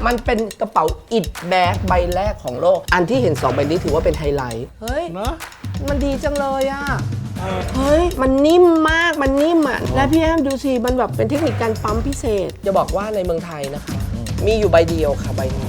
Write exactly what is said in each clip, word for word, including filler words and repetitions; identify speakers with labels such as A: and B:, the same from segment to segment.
A: มันเป็นกระเป๋าอิดแบกใบแรกของโลกอันที่เห็นสองใบนี้ถือว่าเป็นไฮไลท์เฮ้ย
B: เนอะ
A: มันดีจังเลยอ่ะเฮ้ยมันนิ่มมากมันนิ่มอ่ะและพี่แอมดูสิมันแบบเป็นเทคนิคการปั๊มพิเศษจะบอกว่าในเมืองไทยนะคะมีอยู่ใบเดียวค่ะใบนี้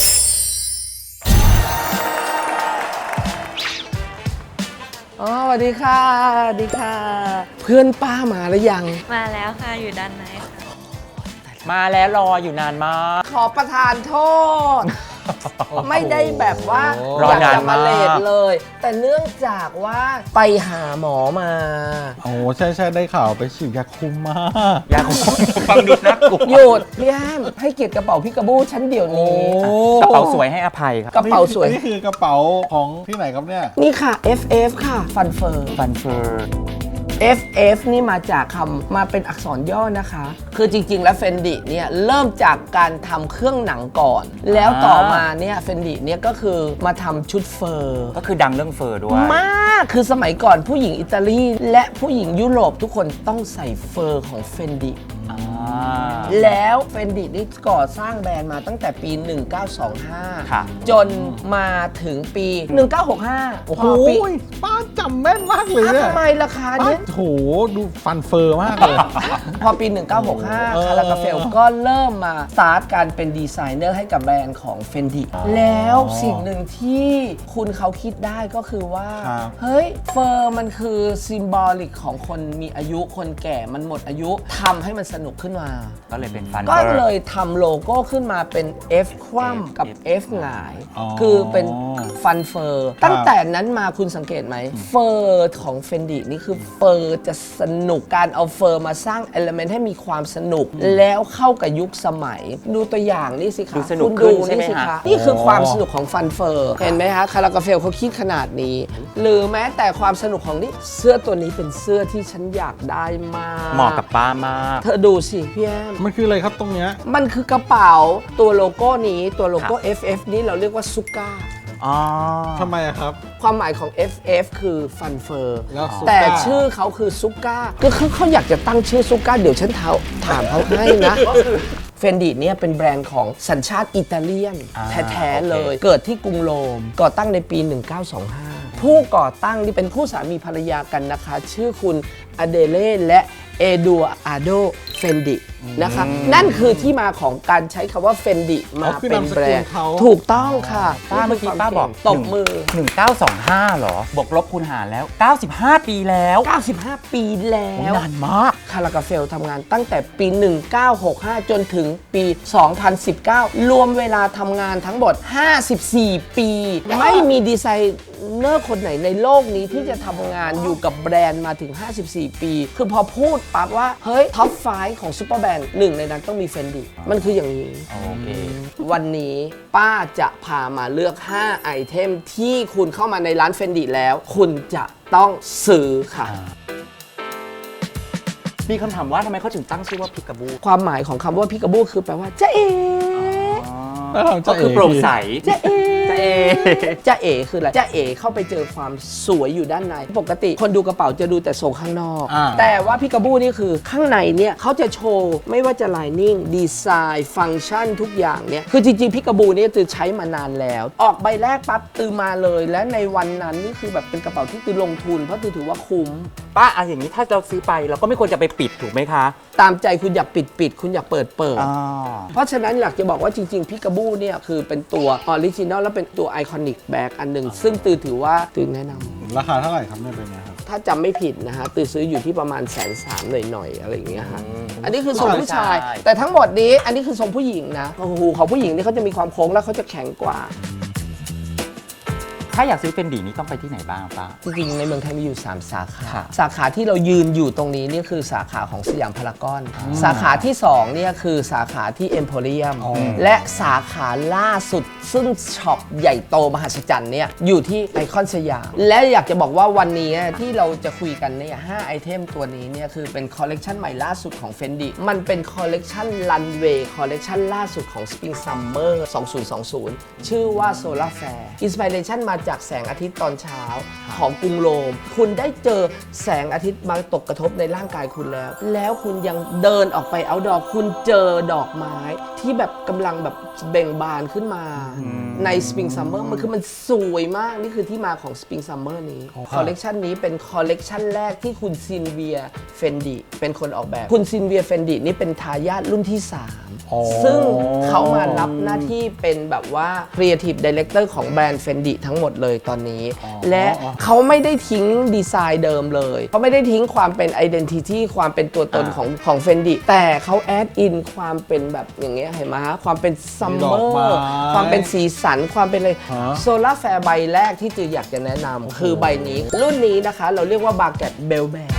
A: อ๋อสวัสดีค่ะสวัสดีค่ะเพื่อนป้ามาหรือยัง
C: มาแล้วค่ะอยู่ด้านในค่ะ
D: มาแล้วรออยู่นานมาก
A: ขอประทานโทษ ไม่ได้แบบว่า
D: รอ
A: อยาก
D: นาน
A: จะมาเลท
D: มาก
A: เลย แต่เนื่องจากว่าไปหาหมอมา
B: โอ้ใช่ใช่ได้ข่าวไปฉีดยาคุมมา
D: อยากฟังดูน่ากลัว
A: หยุดพี่แอมให้เกียรติกระเป๋าพี่กระบู้ฉันเดี๋ยวนี้
D: กระเป๋าสวยให้อภัยครับ
A: กระเป๋าสวย
B: นี่คือกระเป๋าของที่ไหนครับเนี่ย
A: นี่ค่ะ เอฟ เอฟ ค่ะฟันเฟอร์
D: ฟันเฟอร์
A: เอฟ เอฟ นี่มาจากคำมาเป็นอักษรย่อนะคะ คือจริงๆ แล้วเฟนดิเนี่ยเริ่มจากการทำเครื่องหนังก่อน แล้วต่อมาเนี่ยเฟนดิเนี่ยก็คือมาทำชุดเฟอร์
D: ก็คือดังเรื่องเฟอร์ด้วย
A: มากคือสมัยก่อนผู้หญิงอิตาลีและผู้หญิงยุโรปทุกคนต้องใส่เฟอร์ของเฟนดิ
D: อ่า
A: แล้วเฟนดินี่ก่อสร้างแบรนด์มาตั้งแต่ปี หนึ่งเก้าสองห้า
D: ค่ะ
A: จนมาถึงปี หนึ่งเก้าหกห้า
B: โอ้โห
A: พอปี
B: ป้าจำแม่นมากเลย
A: อ่ะ
B: เนี่ย
A: ทำไมราคา
B: ป้า
A: เนี้ย
B: โหดูฟันเฟอร์มากเลย
A: พอปี หนึ่งเก้าหกห้า
B: เออ
A: คาราคาเฟลก็เริ่มมาสตาร์ทการเป็นดีไซเนอร์ให้กับแบรนด์ของเฟนดิแล้วสิ่งหนึ่งที่คุณเขาคิดได้ก็คือว่า
B: ครับ
A: เฮ้ยเฟอร์มันคือซิมบอลิกของคนมีอายุคนแก่มันหมดอายุทำให้มันสนุกขึ้นมา
D: ก็เลยเป็นฟันเฟ
A: ก็
D: อร์
A: เลยทำโลโก้ขึ้นมาเป็น F คว่ำกับ F หงาย
B: อ๋อ
A: คือเป็นฟันเฟอร์ตั้งแต่นั้นมาคุณสังเกตไหมเฟอร์ของเฟนดินี่คือเฟอร์จะสนุกการเอาเฟอร์มาสร้างเอลเมนต์ให้มีความสนุก แล้วเข้ากับยุคสมัย ดูตัวอย่างนี่สิคะ
D: ดูสนุก
A: คุณ
D: ขึ้
A: ดู
D: นใช่ไหม
A: นี่สิ
D: คะ
A: คะนี่คือความสนุกของฟันเฟอร์เห็นไหมคะคาราคาเฟลเขาคิดขนาดนี้ หรือแม้แต่ความสนุกของนี่เสื้อตัวนี้เป็นเสื้อที่ฉันอยากได้มาก
D: เหมาะกับป้ามาก
A: เธอดูสิพี่แอม
B: มันคืออะไรครับตรงเนี้ย
A: มันคือกระเป๋าตัวโลโก้นี้ตัวโลโก้
D: ครับ
A: เอฟ เอฟ นี้เราเรียกว่าซุก้า
D: อ๋อ
B: ทำไมอะครับ
A: ความหมายของ เอฟ เอฟ คือฟันเฟอร์
B: แล้วซุก้า
A: แต่ชื่อเขาคือซุก้าก็คือเขาอยากจะตั้งชื่อซุก้าเดี๋ยวฉันถามถามเขาให้นะ เฟนดิเนี่ยเป็นแบรนด์ของสัญชาติอิตาเลียน
D: อ่า
A: แท้ๆ
D: โอเค
A: เลย เกิดที่กรุงโรม ก่อตั้งในปี หนึ่งเก้าสองห้า ผู้ก่อตั้งนี่เป็นคู่สามีภรรยากันนะคะ ชื่อคุณอเดเล่และเอดัวอาโดเฟนดินะคะนั่นคือที่มาของการใช้คำว่าเฟนดิมา
B: อ๋อคือ
A: เป็น
B: นามสกุล
A: แบรนด์
B: เขา
A: ถูกต้องค่ะ
D: ป้าเมื่อกี้ป้าบอก
A: ตบมือ
D: หนึ่งเก้าสองห้าเหรอบวกลบคูณหารแล้ว เก้าสิบห้า ปีแล้ว
A: เก้าสิบห้า ปีแล้ว
D: นานมาก
A: คาราคาเฟลทำงานตั้งแต่ปี หนึ่งเก้าหกห้า จนถึงปี สองพันสิบเก้า รวมเวลาทำงานทั้งหมด ห้าสิบสี่ ปี ไม่มีดีไซเนอร์คนไหนในโลกนี้ที่จะทำงานอยู่กับแบรนด์มาถึง ห้าสิบสี่ ปี คือพอพูดปั๊บว่า เฮ้ย ท็อปไฟว์ของซูเปอร์แบรนด์หนึ่งในนั้นต้องมีเฟนดิมันคืออย่างนี้
D: โอเค
A: วันนี้ป้าจะพามาเลือก ห้า ไอเทมที่คุณเข้ามาในร้านเฟนดิแล้ว คุณจะต้องซื้อค่ะ
D: มีคำถามว่าทำไมเขาถึงตั้งชื่อว่าพิกาบู
A: ความหมายของคำว่าพิกาบูคือแปลว่าจ๊ะเอ๋
D: ก็คือโปร่งใส
A: จ๊ะเอ๋
D: จ๊ะเอ๋
A: จ๊ะเอ๋คืออะไรจ๊ะเอ๋เข้าไปเจอความสวยอยู่ด้านใน ปกติคนดูกระเป๋าจะดูแต่ทรงข้างนอก
B: อ่า
A: แต่ว่าพิกาบูนี่คือข้างในเนี่ยเขาจะโชว์ไม่ว่าจะไลนิ่งดีไซน์ฟังก์ชันทุกอย่างเนี่ยคือจริงๆพิกาบูเนี่ยตือใช้มานานแล้ว ออกใบแรกปั๊บตือมาเลย และในวันนั้นนี่คือแบบเป็นกระเป๋าที่ตือลงทุนเพราะตือถือว่าคุ้ม
D: ป้าอะอย่างนี้ถ้าเราซื้อไปเราก็ไม่ควรจะไปปิดถูกไหมคะ
A: ตามใจคุณอยากปิดปิดคุณอยากเปิดเปิด
D: อ๋อ
A: เพราะฉะนั้นอยากจะบอกว่าจริงๆพิกาบูเนี่ยคือเป็นตัวออริจินอลและเป็นตัวไอคอนิกแบกอันหนึ่งซึ่งตือถือว่าตือแนะนำ
B: ราคาเท่าไหร่ครับเนี่ยเป็นไงครับ
A: ถ้าจำไม่ผิดนะฮะตือซื้ออยู่ที่ประมาณแสนสามหน่อยๆอะไรอย่างเงี้ยฮะอันนี้คือทรงผู้ชาย
D: ใช่
A: แต่ทั้งหมดนี้อันนี้คือทรงผู้หญิงนะโอ้โหของผู้หญิงนี่เขาจะมีความโค้งแล้วเขาจะแข็งกว่า
D: ถ้าอยากซื้อเป็นดีนี่ต้องไปที่ไหนบ้างป้า
A: จริงๆในเมืองไทยมีอยู่ สาม สาขา
D: ค่ะ
A: สาขาที่เรายืนอยู่ตรงนี้นี่คือสาขาของสยามพารากอน สาขาที่2เนี่ยคือสาขาที่เอ็มโพเรียม
B: อ๋อ
A: และสาขาล่าสุดซึ่งช็อปใหญ่โตมหัศจรรย์เนี่ยอยู่ที่ไอคอนสยาม และอยากจะบอกว่าวันนี้ที่เราจะคุยกันเนี่ยห้าไอเทมตัวนี้เนี่ยคือเป็นคอลเลกชันใหม่ล่าสุดของ Fendi มันเป็นคอลเลกชันรันเวย์คอลเลกชันล่าสุดของ Spring Summer สองพันยี่สิบ ชื่อว่า Solar Fair Inspiration มาจากแสงอาทิตย์ตอนเช้าของกรุงโรม คุณได้เจอแสงอาทิตย์มาตกกระทบในร่างกายคุณแล้ว แล้วคุณยังเดินออกไปเอาดอกคุณเจอดอกไม้ที่แบบกำลังแบบเบ่งบานขึ้นมาใน Spring Summer มันคือมันสวยมากนี่คือที่มาของ Spring Summer นี้คอลเลกชันนี้เป็นคอลเลกชันแรกที่คุณซินเวียเฟนดิเป็นคนออกแบบคุณซินเวียเฟนดินี่เป็นทายาทรุ่นที่สาม
B: อ๋อ
A: ซึ่งเขามารับหน้าที่เป็นแบบว่า Creative Director ของแบรนด์ Fendi ทั้งหมดเลยตอนนี้ และเขาไม่ได้ทิ้งดีไซน์เดิมเลยเขาไม่ได้ทิ้งความเป็น Identity ความเป็นตัวตนของของ Fendi แต่เขาแอดอินความเป็นแบบอย่างเงี้ยเห็นไหมฮะความเป็นซัมเมอร์ความเป็นสีสันความเป็นอะไรโซลาร์แฟร์ใบแรกที่จืออยากจะแนะนำคือใบนี้รุ่นนี้นะคะเราเรียกว่าบาเกตเบลแบร์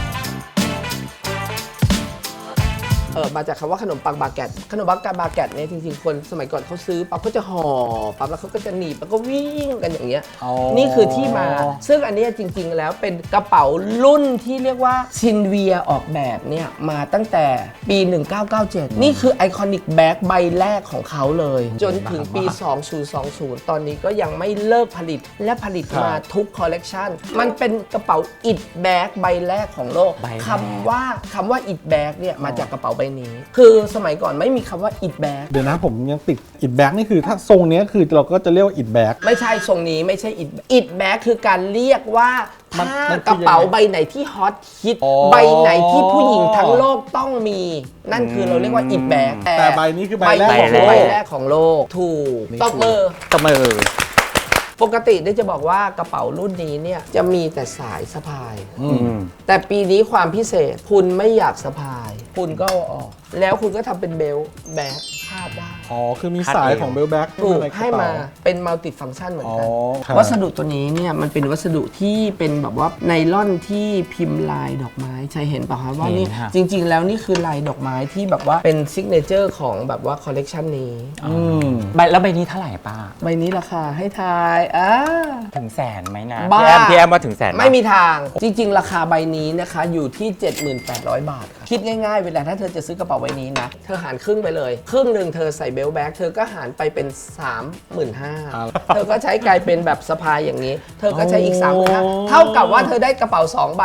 A: เออมาจากคำว่าขนมปังบาเกตขนมปังบาเกตเนี่ยจริงๆคนสมัยก่อนเขาซื้อปั๊บเขาจะห่อปั๊บแล้วเขาก็จะหนีบแล้วก็วิ่งกันอย่างเงี้ยนี่คือที่มาซึ่งอันนี้จริงๆแล้วเป็นกระเป๋ารุ่นที่เรียกว่าซินเวียออกแบบเนี่ยมาตั้งแต่ปี หนึ่งเก้าเก้าเจ็ด นี่คือไอคอนิกแบ็กใบแรกของเขาเลย จนถึงปี สองพันยี่สิบ ตอนนี้ก็ยังไม่เลิกผลิตและผลิตมาทุกคอลเลกชันมันเป็นกระเป๋าอิดแบ็กใบแรกของโลกคำว่าคำว่าอิดแบ็กเนี่ยมาจากกระเป๋าใบนี้คือสมัยก่อนไม่มีคำว่าอิดแบ็ก
B: เดี๋ยวนะผมยังติดอิดแบ็กนี่คือถ้าทรงเนี้ยคือเราก็จะเรียกว่าอิดแบ็ก
A: ไม่ใช่ทรงนี้ไม่ใช่อิดอิดแบ็กคือการเรียกว่าถ้ากระเป๋าใบไหนที่ฮอตฮิตใบไหนที่ผู้หญิงทั้งโลกต้องมี นั่นคือเราเรียกว่าอิดแบ็ก
B: แต่ใบนี้คือใบแรก
A: ใบ
B: ของโล
A: ใบ
B: ก
A: แรกของโลกถูกตบมือ
D: ตบมือ
A: ปกติได้จะบอกว่ากระเป๋ารุ่นนี้เนี่ยจะมีแต่สายสะพาย
D: อืม
A: แต่ปีนี้ความพิเศษคุณไม่อยากสะพาย คุณก็เอาออก แล้วคุณก็ทำเป็นเบลต์แบ็คคาดได้
B: อ๋อ คือมีสายของเบลแบ็ก
A: ถูกให้มาเป็นมัลติฟังก์ชันเหมือนกัน
B: อ๋อครับ
A: วัสดุตัวนี้เนี่ยมันเป็นวัสดุที่เป็นแบบว่าไนล่อนที่พิมพ์ลายดอกไม้ใช่เห็นป่ะคะว่านี่
D: เห็นฮะ
A: จริง ๆ แล้วนี่คือลายดอกไม้ที่แบบว่าเป็นซิกเนเจอร์ของแบบว่าคอลเลกชันนี้
B: อืม
D: ใบแล้วใบนี้เท่าไหร่ป้า
A: ใบนี้ราคาให้ทายอ่า
D: ถึงแสนไหมนะ
A: บ้า
D: พี่แอมพี่แอมว่าถึงแสนห
A: ไม่มีทางจริง ๆ ราคาใบนี้นะคะอยู่ที่ เจ็ดพันแปดร้อย บาทค่ะคิดง่ายๆเวลาถ้าเธอจะซื้อกระเป๋าใบนี้นะเธอหารครึ่งไปเลยครึ่งหนึ่งเธอใส่เบลต์แบ็คเธอก็หารไปเป็น สามหมื่นห้าพัน เธอก็ใช้กลายเป็นแบบสะพายอย่างนี้ เธอก็ใช้อีก สามหมื่นห้าพัน เท่ากับว่าเธอได้กระเป๋าสองใบ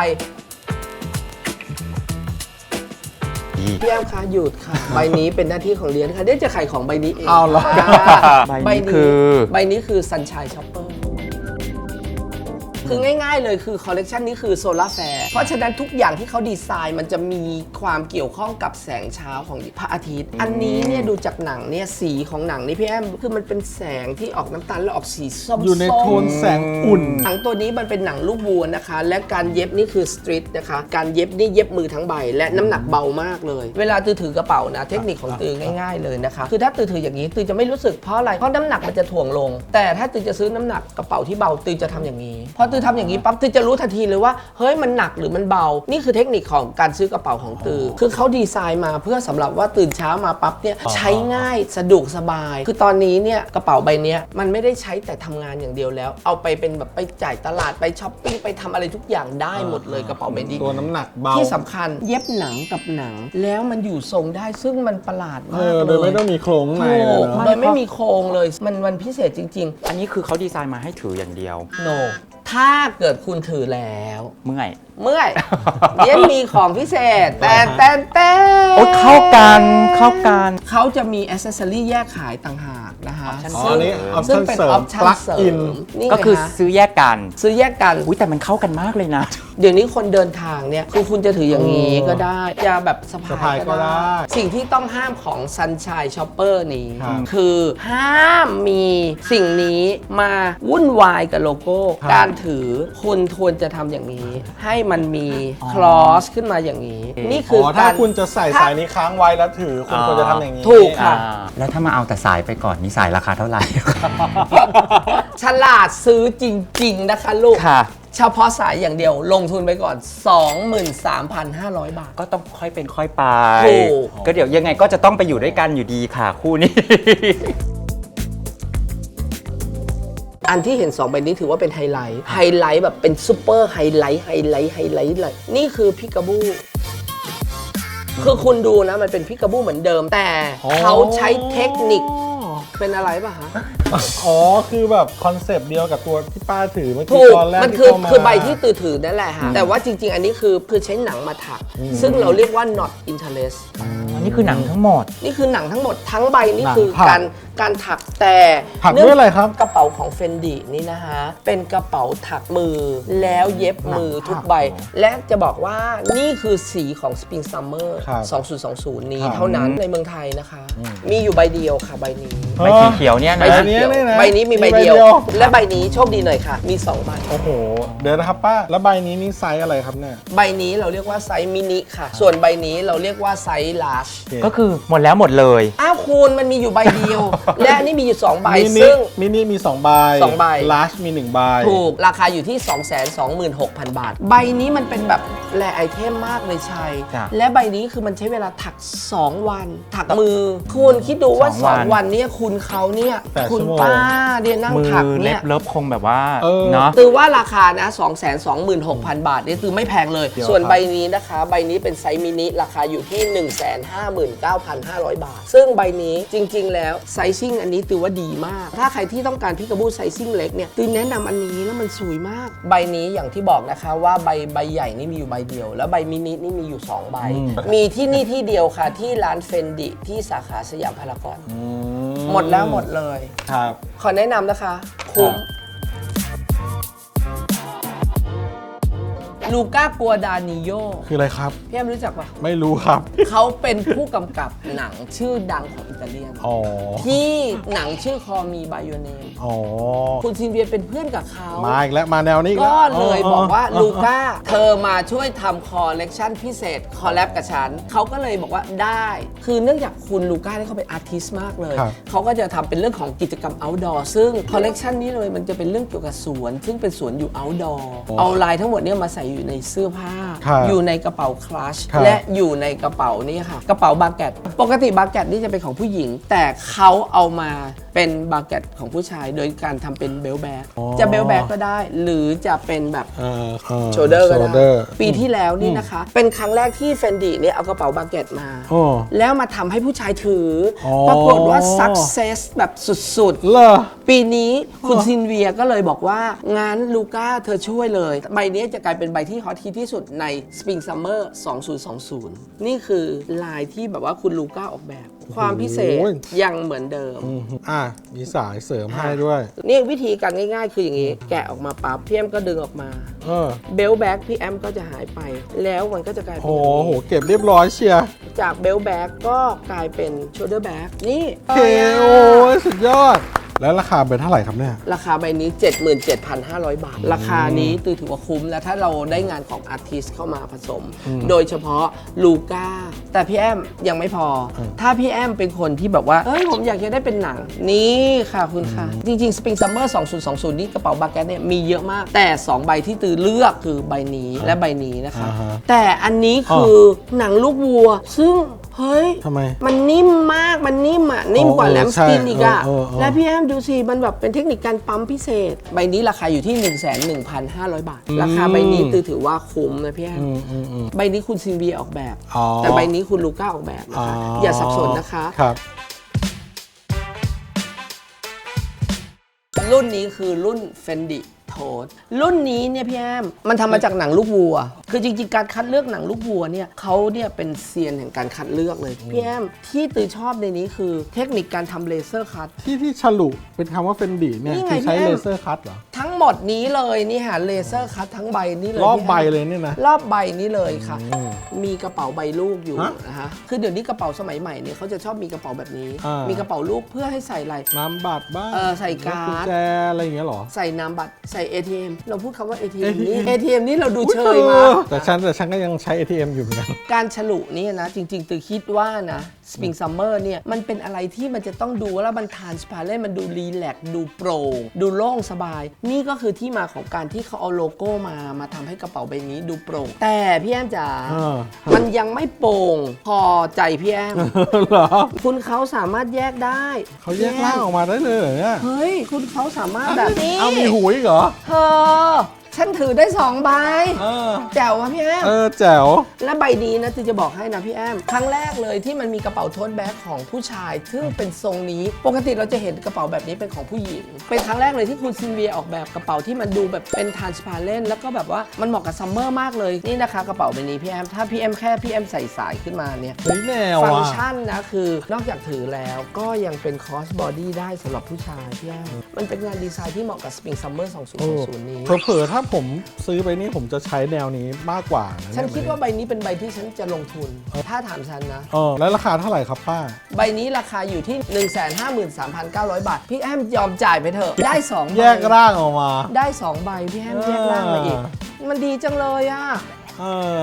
A: พี่แอมคะหยุดค่ะ ใบนี้เป็นหน้าที่ของเรียนค่ะเดี๋ยวจะขายของใบนี้เอง
B: เอาเหรอ
D: ใบนี้คือ
A: ใบนี้คือ Sunshine Shopper คือง่ายๆเลยคือคอลเลกชันนี้คือโซลาร์แฟร์เพราะฉะนั้นทุกอย่างที่เขาดีไซน์มันจะมีความเกี่ยวข้องกับแสงเช้าของพระอาทิตย์ อันนี้เนี่ยดูจากหนังเนี่ยสีของหนังนี่พี่แอมคือมันเป็นแสงที่ออกน้ำตาลแล้วออกสีส้มๆ
B: อยู่ในโทนแสงอุ่น
A: หนังตัวนี้มันเป็นหนังลูกวัวนะคะ และการเย็บนี่คือสตรีทนะคะการเย็บนี่เย็บมือทั้งใบและน้ำหนักเบามากเลย เวลาตือถือกระเป๋านะเทคนิคของตือง่ายๆเลยนะคะคือถ้าตือถืออย่างนี้ตือจะไม่รู้สึกเพราะอะไรเพราะน้ำหนักมันจะถ่วงลง แต่ถ้าตือจะซื้อน้ำหนักกระเป๋าที่เบาตือจะทำอย่างนี้พอตือทำอย่างนี้ปั๊บตือจะรู้ทันทีเลยว่าเฮ้ยมันหนักหรือมันเบานี่คือเทคนิคของการซื้อกระเป๋าของตือคือเขาดีไซน์มาเพื่อสำหรับว่าตื่นเช้ามาปั๊บเนี่ยใช้ง่ายสะดวกสบาย คือตอนนี้เนี่ยกระเป๋าใบเนี้ยมันไม่ได้ใช้แต่ทำงานอย่างเดียวแล้ว เอาไปเป็นแบบไปจ่ายตลาดไปช้อปปิ้งไปทำอะไรทุกอย่างได้หมดเลยกระเป๋าใบนี้
B: ตัวน้ำหนักเบา
A: ที่สำคัญเย็บหนังกับหนัง แล้วมันอยู่ทรงได้ซึ่งมันประหลาด
B: เอ
A: มาก
B: อ
A: เล
B: โดย
A: ย
B: ไม่ต้องมีโครงข้างใน
A: ถู
B: เลย
A: ก
B: เนอะ
A: โดยไม่มีโครงเลยมันมันพิเศษจริง
D: อันนี้คือเขาดีไซน์มาให้ถืออย่างเดียว
A: ๆ no ถ้าเกิดคุณถือแล้ว
D: เมื่อย
A: เมื่อย เดี๋ยวมีของพิเศษ แต่แต่แต่
D: โอ้ยเข้ากันเข้ากัน
A: เขาจะมีอ c เซสซอรี่แยกขายต่างหากนะคะ
D: Option
B: อ๋อ
A: ซึ่ง
B: อันนี้
A: ซึ่ง
B: option
A: เป็น
B: เสริ
A: อ
B: ม
A: อปชั่น
B: plug
A: เสริ
B: in
A: มนี่
D: ก็
A: ไง
D: คือ
A: ฮะ
D: ซื้อแยกกัน
A: ซื้อแยกกัน
D: อุ้ยแต่มันเข้ากันมากเลยนะ
A: เดี๋ยวนี้คนเดินทางเนี่ยคือคุณจะถืออย่างนี้ก็ได้จะแบบสะ
B: สะ
A: พา
B: พาย ย
A: ก็
B: ก็
A: ได้
B: ได้
A: สิ่งที่ต้องห้ามของ Sunshine Shopper นี้
B: ครับ
A: คือห้ามมีสิ่งนี้มาวุ่นวายกับโลโก้
B: ครับ
A: การถือคุณควรจะทำอย่างนี้ ให้มันมีคลอสขึ้นมาอย่างนี้ นี่คือ
B: อ๋อ
A: อ
B: ถ้า
A: การ
B: คุณจะใส่สายนี้ค้างไว้แล้วถือคุณควรจะทำอย่างนี้
A: ถูกค่ะ
D: อ่าแล้วถ้ามาเอาแต่สายไปก่อนนี่สายราคาเท่าไหร่
A: ฉลาดซื้อจริง ๆ นะคะลูก
D: ค่ะ
A: เฉพาะสายอย่างเดียวลงทุนไปก่อน สองหมื่นสามพันห้าร้อย บาท
D: ก็ต้องค่อยเป็นค่อยไป
A: ถูก
D: ก็เดี๋ยวยังไงก็จะต้องไปอยู่ด้วยกันอยู่ดีค่ะคู่นี้
A: อันที่เห็นสองใบนี้ถือว่าเป็นไฮไลท์ ไฮไลท์แบบเป็นซูเปอร์ไฮไลท์ ไฮไลท์ ไฮไลท์เลย นี่คือพิกาบู คือคุณดูนะมันเป็นพิกาบูเหมือนเดิม แต่
B: อ๋อ
A: เขาใช้เทคนิคเป็นอะไรป่ะฮะ
B: อ๋อคือแบบคอนเซปต์เดียวกับตัวที่ป้าถือเมื่อ
A: ถู
B: กี้
A: ก
B: ตอนแรก
A: มัน
B: ที่
A: คือ
B: เข้ามา
A: คือใบที่ตือถือนั่นแหละฮะแต่ว่าจริง ๆ อันนี้คือคือใช้หนังมาถัก ซึ่งเราเรียกว่า not interest
D: อันนี้คือหนังทั้งหมด
A: นี่คือหนังทั้งหมดทั้งใบนี่
B: หนัง
A: คือ
B: ถัก
A: การการถักแต่
B: ถักด้วยอะไรครับ
A: กระเป๋าของเฟนดีนี่นะฮะเป็นกระเป๋าถักมือแล้วเย็บมือทุกใบ และจะบอกว่านี่คือสีของ Spring Summer
B: ครับ
A: สองพันยี่สิบ นี้
B: ครับ
A: เท่านั้นในเมืองไทยนะคะ มีอยู่ใบเดียวค่ะใบนี้
D: ใบสีเขียวเนี่ย
A: ใบ
D: นะ
A: สีเขียว
B: ใบนี้เนี่ยนะ
A: ใบนี้มีใบ
B: มีใบ
A: เดียว
B: เดียว
A: และใบนี้โชคดีหน่อยค่ะ มีสองใบ
B: โอ้โห เดี๋ยวนะครับป้า แล้วใบนี้นี่ไซส์อะไรครับเนี่ย
A: ใบนี้เราเรียกว่าไซส์มินิค่ะ ส่วนใบนี้เราเรียกว่าไซส์ลาร์จ
D: ก็คือหมดแล้วหมดเลย
A: อ้าวคุณมันมีอยู่ใบเดียว และอันนี่มีอยู่สองใบ
B: มินิ
A: ซึ่ง
B: มินิมีสองใบ
A: สองใบ
B: ลาร์จมีหนึ่งใบ
A: ถูกราคาอยู่ที่ สองแสนสองหมื่นหกพัน บาท ใบนี้มันเป็นแบบแรไอเทมมากเลยชัย
D: จ้ะ
A: และใบนี้คือมันใช้เวลาถัก สอง วัน ถักมือ คุณคิดดูว่า
D: สองวัน
A: สอง วันเนี่ยคุณเขาเนี่ย
B: แปด
A: คุณ
B: ชั่วโมง
A: ป้าเนี่ยนั่ง
D: มือ
A: ถัก
D: เล็
A: เนี่
D: บ
A: ย
D: เลิฟคงแบบว่า
B: เออ
D: เนาะ
A: ตือว่าราคานะ สองแสนสองหมื่นหกพัน บาทเนี่ยตือไม่แพงเลย
B: เดี๋ยว
A: ส่วน
B: ครับ
A: ใบนี้นะคะ ใบนี้เป็นไซส์มินิราคาอยู่ที่ หนึ่งแสนห้าหมื่นเก้าพันห้าร้อย บาท ซึ่งใบนี้จริง ๆ แล้วไซซิ่งอันนี้ตือว่าดีมาก ถ้าใครที่ต้องการพิกาบูไซซิ่งเล็กเนี่ยตือแนะนำอันนี้แล้วมันสวยมาก ใบนี้อย่างที่บอกนะคะว่าใบใบใหญ่นี่มีอยู่ใบเดียว แล้วใบมินินี่มีอยู่สองใบ มีที่นี่ที่เดียวค่ะที่ร้านเฟนดิที่สาขาสยามพารากอน
B: อื
A: หมดแล้วหมดเลย
B: ครับ
A: ขอแนะนำนะคะคุ้ม ลูก้ากัวดานิโย
B: คืออะไรครับ
A: พี่แอมรู้จักปะ
B: ไม่รู้ครับ
A: เขาเป็นผู้กำกับหนังชื่อดังของอิตาเลียน
B: อ๋อ
A: ที่หนังชื่อคอมีบายเนม
B: อ๋อ
A: คุณซินเวียเป็นเพื่อนกับเขา
B: มาอีกแล้วมาแนวนี้อี
A: ก็
B: แว
A: เลยบอกว่าลูก้าเธอมาช่วยทำคอลเลกชันพิเศษ คอลแลบกับฉัน เขาก็เลยบอกว่าได้ คือเนื่องจากคุณลูก้าเนี่ยเขาเป็นอาร์ติสต์มากเลย
B: ครับ
A: เขาก็จะทำเป็นเรื่องของกิจกรรม outdoor ซึ่งคอลเลกชันนี้เลยมันจะเป็นเรื่องเกี่ยวกับสวน ซึ่งเป็นสวนอยู่ outdoor เอาลายทั้งหมดเนี่ยมาใส่อยู่ในเสื้อผ้า
B: ครับ
A: อยู่ในกระเป๋าคลัช
B: ครับ
A: และอยู่ในกระเป๋านี่ค่ะ กระเป๋าบาเกตปกติบาเกตนี่จะเป็นของผู้หญิง แต่เขาเอามาเป็นบาเกตของผู้ชาย โดยการทำเป็นเบลแบ็ก
B: อ๋อ
A: จะเบลแบ็กก็ได้ หรือจะเป็นแบบ
B: เออเออ
A: โชเดอร์ก็ได้
B: shoulder
A: ปีที่แล้วนี่นะคะ เป็นครั้งแรกที่เฟนดีเนี่ยเอากระเป๋าบาเกตมา
B: โอ้
A: แล้วมาทำให้ผู้ชายถืออ
B: อ
A: ปรากฏว่า success แบบสุด
B: เหรอ
A: ๆ ปีนี้คุณซินเวียก็เลยบอกว่า งั้นลูก้าเธอช่วยเลย ใบนี้จะกลายเป็นใบที่ฮอตฮิตที่สุดใน Spring Summer สองพันยี่สิบ นี่คือลายที่แบบว่าคุณลูก้าออกแบบ ความพิเศษ
B: โอ้ย
A: ยังเหมือนเดิม
B: อืมอ่ะมีสายเสริมให้ด้วย
A: นี่วิธีการง่ายๆ คืออย่างนี้ แกะออกมาปั๊บพี่แอมก็ดึงออกมา
B: เออ
A: เบลแบ็กพี่แอมก็จะหายไป แล้วมันก็จะกลายเป็น
B: โอ้
A: อย่าง
B: โห
A: นี้
B: เก็บเรียบร้อยเชียร์
A: จากเบลแบ็กก็กลายเป็นโชเดอร์แบ็กนี่
B: โอเคโอ้ยสุดยอด แล้วราคาเป็นเท่าไหร่ครับเนี่ย
A: ราคาใบนี้ เจ็ดหมื่นเจ็ดพันห้าร้อย บาท ราคานี้ตือถือว่าคุ้ม แล้วถ้าเราได้งานของอาร์ติสเข้ามาผสม โดยเฉพาะลูก้า แต่พี่แอมยังไม่พอ ถ้าพี่แอมเป็นคนที่แบบว่า เอ้ย ผมอยากจะได้เป็นหนัง นี่ค่ะคุณค่ะ จริงๆ Spring Summer สองพันยี่สิบ นี่กระเป๋าบาแกตเนี่ยมีเยอะมาก แต่ สอง ใบที่ตือเลือกคือใบนี้และใบนี้นะคะ
B: อ่าฮะ
A: แต่อันนี้คือหนังลูกวัว ซึ่งเฮ้ย
B: ทำไม
A: มันนิ่มมาก มันนิ่มอ่ะ นิ่มกว่า
B: เออ
A: แลมสตินอีกอ่ะ
B: ใช่เออเออเออ
A: และพี่แอมดูสิ มันแบบเป็นเทคนิคการปั๊มพิเศษ ใบนี้ราคาอยู่ที่ หนึ่งแสนหนึ่งพันห้าร้อย บาท ราคาใบนี้ตือถือว่าคุ้มนะพี่แอม
B: อืมอืมอืม
A: ใบนี้คุณซินเวียออกแบบ
B: อ๋อ
A: แต่ใบนี้คุณลูก้าออกแบบนะคะ อย่าสับสนนะคะ
B: ครับ
A: รุ่นนี้คือรุ่น Fendi Tote รุ่นนี้เนี่ยพี่แอมมันทำมาจากหนังลูกวัว คือจริงๆ การคัดเลือกหนังลูกวัวเนี่ยเขาเนี่ยเป็นเซียนแห่งการคัดเลือกเลยพี่แอมที่ตือชอบในนี้คือเทคนิคการทำเลเซอร์คัต
B: ที่ที่ฉลุเป็นคำว่าเฟนดีเนี่ย
A: นี่ไง
B: คือใช้
A: พี่แอม
B: เลเซอร์คัตเหรอ
A: ทั้งหมดนี้เลยนี่ค่ะเลเซอร์คัตทั้งใบนี้เลย
B: รอบ
A: พี่แม
B: ใบเลยเนี่ยนะ
A: รอบใบนี้เลยค่ะ
B: อืม
A: มีกระเป๋าใบลูกอยู่
B: ฮะ
A: นะคะคือเดี๋ยวนี้กระเป๋าสมัยใหม่เนี่ยเขาจะชอบมีกระเป๋าแบบนี้
B: อ่ามี
A: มีกระเป๋าลูกเพื่อให้ใส่อะไร
B: น้ำบัตรบ้าง
A: เออใส่การ์ด
B: กุญแจอะไรอย่างเงี้ยเหรอ
A: ใส่นามบัตรใส่ เอ ที เอ็ม เราพูดคำว่า เอ ที เอ็ม
B: เอ ที
A: นี่
B: เอ็ม
A: เอ ที เอ็ม นี่เราดูเชยมา
B: แต่ฉันแต่ฉันก็ยังใช้ เอ ที เอ็ม อยู่เหมือนกัน
A: การฉลุนี่นะ จริงๆตือคิดว่านะ Spring Summer เนี่ย มันเป็นอะไรที่มันจะต้องดูแล้วมันทานสปาเล่มันดูรีแลกซ์ดูโปร่งดูโล่งสบาย นี่ก็คือที่มาของการที่เขาเอาโลโก้มามาทำให้กระเป๋าใบนี้ดูโปร่ง แต่พี่แอมจ๋า
B: เออ
A: มันยังไม่โปร่งพอใจพี่แอม
B: เหรอ
A: คุณเขาสามารถแยกได้
B: เขาแยกร่างออกมาได้เลยเหรอเนี่ย
A: เฮ้ย คุณเขาสามารถแบบนี้
B: เอามีหูอีกเหรอ
A: เธอฉันถือได้สองใบ
B: เออ
A: แจ๋ววะพี่แอม
B: เออแจ๋ว
A: และใบนี้นะจะบอกให้นะพี่แอมครั้งแรกเลยที่มันมีกระเป๋าโทสแบ็คของผู้ชายซึ่งเป็นทรงนี้ปกติเราจะเห็นกระเป๋าแบบนี้เป็นของผู้หญิงเป็นครั้งแรกเลยที่คุณซินเวียออกแบบกระเป๋าที่มันดูแบบเป็นทรานสพาเรนต์แล้วก็แบบว่ามันเหมาะกับซัมเมอร์มากเลยนี่นะคะกระเป๋าใบนี้พี่แอมถ้าพี่แอมแค่พี่แอมใส่สายขึ้นมาเนี่ย
B: เฮ้ยแนว
A: ฟัง
B: อ่ะ
A: ก์ชันนะคือนอกจากถือแล้วก็ยังเป็นคอสบอดี้ได้สำหรับผู้ชายพี่แอมมันเป็นงานดีไซน์ที่เหมาะกับสปริงซัมเมอร์สองพันยี่สิบนี้
B: เผลอๆถ้าผมซื้อไปนี่ผมจะใช้แนวนี้มากกว่าะ
A: ฉัน
B: เย
A: คิดว่าใบนี้เป็นใบที่ฉันจะลงทุนถ้าถามฉันนะ
B: เออแล้วราคาเท่าไหร่ครับป้า
A: ใบนี้ราคาอยู่ที่ หนึ่งแสนห้าหมื่นสามพันเก้าร้อย บาท พี่แอมยอมจ่ายไปเถอะได้สองใบ
B: แยกร่างออกมา
A: ได้สองใบพี่แอมแยกร่างมาอีก มันดีจังเลยอ่ะ
B: เออ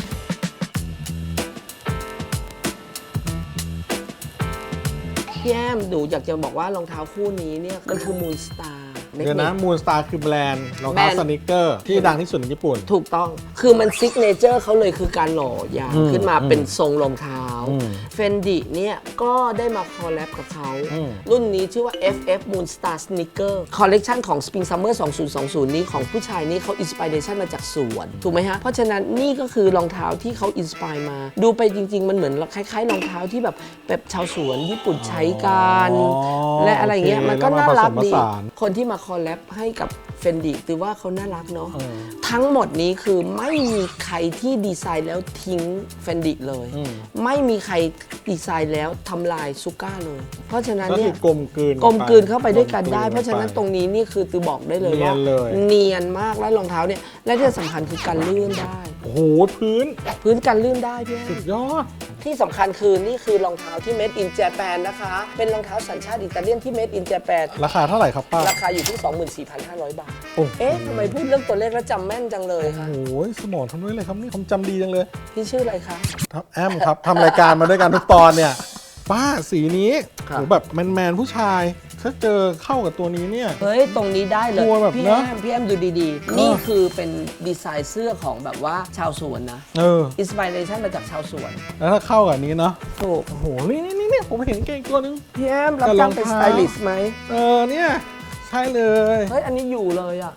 A: พี่แอมดูอยากจะบอกว่ารองเท้าคู่นี้เนี่ยมันคือมูนสตาร์
B: เดี๋ยวนะมูนสตาร์คือแบรนด์รองเท้า
A: แบรนด์
B: สนิเกอร์ที่ดังที่สุดในญี่ปุ่น
A: ถูกต้อง คือมันซิกเนเจอร์เขาเลยคือการหล่อยาง
B: อืม
A: ขึ้นมาเป็นทรงรองเท้า
B: อืม
A: เฟนดิเนี่ยก็ได้มาคอลแลบกับเขา
B: อืม
A: รุ่นนี้ชื่อว่า เอฟ เอฟ Moon Star Sneaker คอลเลกชันของ Spring Summer สองพันยี่สิบ นี้ของผู้ชายนี่เขาอินสปิเรชันมาจากสวน ถูกไหมฮะ เพราะฉะนั้นนี่ก็คือรองเท้าที่เขาอินสปายมา ดูไปจริง ๆ มันเหมือนคล้ายๆรองเท้าที่แบบแบบชาวสวนญี่ปุ่นใช้กัน
B: อ๋อ
A: และอะไรเงี้ย
B: โอเค
A: มันก็น่ารัก
B: แล้วมาผสมผ
A: ดี
B: สาน
A: คนที่มาคอลแลบให้กับเฟนดิถือว่าเขาน่ารักเนาะ
B: เออ
A: ทั้งหมดนี้คือไม่มีใครที่ดีไซน์แล้วทิ้งเฟนดิเลย
B: อืม
A: ไม่มีใครดีไซน์แล้วทำลายซูก้าเลย เพราะฉะนั้น
B: ก็
A: เนี่
B: คื
A: ย
B: อกลมกลืน
A: กลมกลืนเข้าไปด้วยกันได้
B: ลมกลื
A: เพราะฉะนั้น
B: ไป
A: ตรงนี้นี่คือตือบอกได้เลย
B: เนีย
A: ว่าน
B: เลย
A: เนียนมากแล้วรองเท้าเนี่ยและที่สำคัญคือการลื่นได้
B: โอ้โหพื้น
A: พื้นการลื่นได้พี่แอ
B: สุ
A: ม
B: ดยอด
A: ที่สำคัญคือนี่คือรองเท้าที่ made in Japan นะคะ เป็นรองเท้าสัญชาติอิตาเลียนที่ made in Japan
B: ราคาเท่าไหร่ครับป้า
A: ราคาอยู่ที่ สองหมื่นสี่พันห้าร้อย บาท
B: โอ้โห
A: เอ๊ะทำไมพูดเรื่องตัวเลขแล้วจำแม่นจังเลย
B: โอ้
A: คะ
B: โหสมองทำด้วยเลยครับนี่ผมจำดีจังเลย
A: พี่ชื่ออะไรคะ
B: ครับแอมครับทำรายการมาด้วยกันทุกตอนเนี่ยป้าสีนี้
A: ครับ
B: โหแบบแมนๆผู้ชายถ้าเจอเข้ากับตัวนี้เนี่ย
A: เฮ้ย ตรงนี้ได้เลย
B: กลัวแบบ
A: พี่
B: นะ
A: แอมพี่แอมดูดีๆ นี่คือเป็นดีไซน์เสื้อของแบบว่าชาวสวนนะ
B: เออ
A: อินสปิเรชันมาจากชาวสวน
B: แล้วถ้าเข้ากับอันนี้เนาะ
A: ถูก
B: โอ้โหนี่นี่นี่ผมเห็นเก่งตัวนึง
A: พี่แอมรับ
B: แต่ร
A: จ้า
B: อง ง
A: เป็นส
B: เท้า
A: ไตลิสต์ไหม
B: เออเนี่ยใช่เลย
A: เฮ้ย อันนี้อยู่เลยอ่ะ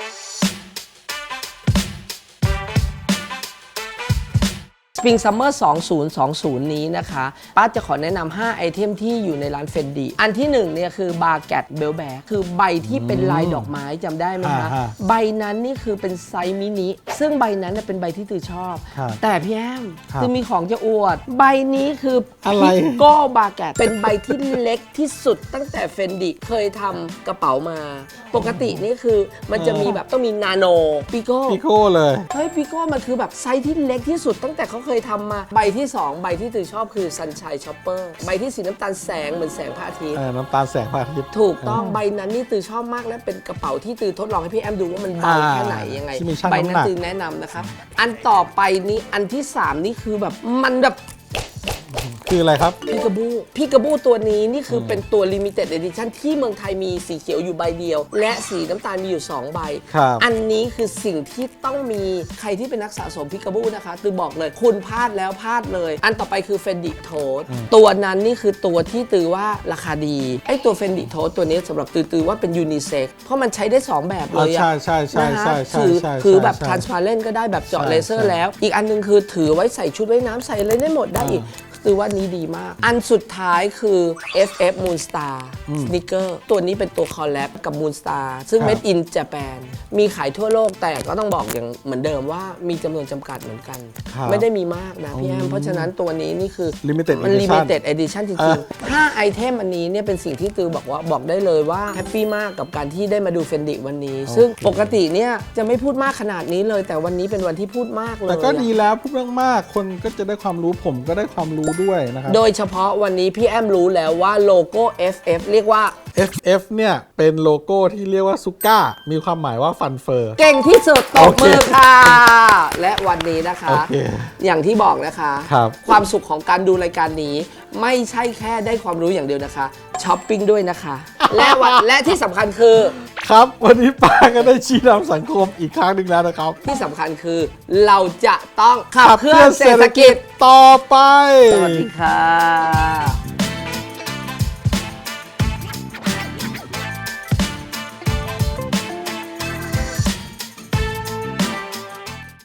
A: Spring Summer สองพันยี่สิบ นี้นะคะป้าจะขอแนะนำห้าไอเทมที่อยู่ในร้านเฟนดีอันที่หนึ่งเนี่ยคือบาแกตเบลแบกคือใบที่เป็นลายดอกไม้จำได้ไหมคะ
B: อ่า
A: ใบนั้นนี่คือเป็นไซส์มินิซึ่งใบนั้นเนยเป็นใบที่ตือชอบ
B: ครับ
A: แต่พี่แอม
B: ครับ
A: ตือมีของจะอวด ใบนี้คือ
B: อะไร
A: พิโก้บาแกตเป็นใบที่เล็กที่สุดตั้งแต่เฟนดีเคยทำกระเป๋ามา ปกตินี่คือมันจะมีแบบต้องมีนาโนปิโก้
B: พี่โก้เลย
A: เฮ้ยปิโก้มันคือแบบไซส์ที่เล็กที่สุดตั้งแต่เขาเคยทำมา ใบที่ สอง ใบที่ตือชอบคือ Sunshine Chopper ใบที่สีน้ำตาลแสงเหมือนแสงพระอาทิตย์
B: เออน้ำตาลแสงพระอาทิตย์
A: ถูกต้องใบนั้นนี่ตือชอบมากและเป็นกระเป๋าที่ตือทดลองให้พี่แอมดูว่ามันเบา
B: อ่า
A: แค่ไหนยังไง
B: ที่มีชั่ง
A: ใบ
B: น้ำ
A: นั้
B: ห
A: น
B: นัก
A: ตือแนะนำนะคะ อันต่อไปนี้อันที่ สาม นี่คือแบบมันแบบ
B: คืออะไรครับ
A: พี่กระบูพี่กระบูตัวนี้นี่คือเป็นตัว Limited Edition ที่เมืองไทยมีสีเขียวอยู่ใบเดียว และสีน้ำตาลมีอยู่ สอง ใบ
B: ครับ
A: อันนี้คือสิ่งที่ต้องมีใครที่เป็นนักสะสมพิกาบูนะคะตือบอกเลยคุณพลาดแล้วพลาดเลย อันต่อไปคือ Fendi Tote ตัวนั้นนี่คือตัวที่ตือว่าราคาดีไอ้ตัว Fendi Tote ตัวนี้สำหรับตือตือว่าเป็นยูนิเซ็กเพราะมันใช้ได้ สอง แบบเลยอะ
B: ใช่ใช่ใช่
A: นะ
B: ใช่
A: ฮะ
B: ใช่
A: ถือ
B: ใช่
A: ถือแบบ
B: ใช่
A: transparent ก็ได้แบบเจาะ
B: ใช่
A: เลเซอ
B: ใช่
A: ร์แล้ว อีกอันนึงคือถือไว้ใส่ชุดว่ายน้ำใส่อะไรได้หมดได้อีกตือว่านี้ดีมาก อันสุดท้ายคือ เอฟ เอฟ Moon Star Sneaker ตัวนี้เป็นตัวคอลแลบกับ Moon Star ซึ่ง
B: ครับ
A: Made in Japan มีขายทั่วโลกแต่ก็ต้องบอกอย่างเหมือนเดิมว่ามีจำนวนจำกัดเหมือนกัน
B: ครับ
A: ไม่ได้มีมากนะพี่แอม เพราะฉะนั้นตัวนี้นี่คือ
B: Limited
A: มัน
B: Edition
A: Limited Edition จ
B: เอ
A: ริง
B: อ
A: ๆห้าไอเทมอันนี้เนี่ยเป็นสิ่งที่ตือบอกว่าบอกได้เลยว่าแฮปปี้มากกับการที่ได้มาดูเฟนดิวันนี้ ซึ่งปกติเนี่ยจะไม่พูดมากขนาดนี้เลย แต่วันนี้เป็นวันที่พูดมากเลย
B: แต่ก็
A: อะ
B: ดีแล้วพูดมากๆคนก็จะได้ความรู้ผมก็ได้ความรู้ด้วยนะครับ
A: โดยเฉพาะวันนี้พี่แอมรู้แล้วว่าโลโก้ เอฟ เอฟ เรียกว่า
B: เอฟ เอฟ เนี่ยเป็นโลโก้ที่เรียกว่าซุก้ามีความหมายว่าฟันเฟอร์
A: เก่งที่สุดตบ
B: โอเค
A: มือค่ะ และวันนี้นะคะ
B: โอเค
A: อย่างที่บอกนะคะ
B: ครับ
A: ความสุขของการดูรายการนี้ ไม่ใช่แค่ได้ความรู้อย่างเดียวนะคะช้อปปิ้งด้วยนะคะ และวันและที่สำคัญคือ
B: ครับวันนี้ป้าก็ได้ชี้นำสังคมอีกครั้งหนึ่งแล้วนะครับ
A: ที่สำคัญคือ เราจะต้องขับเคลื่อนเศรษฐกิจ
B: ต่อไป
A: สวัสดีค่ะ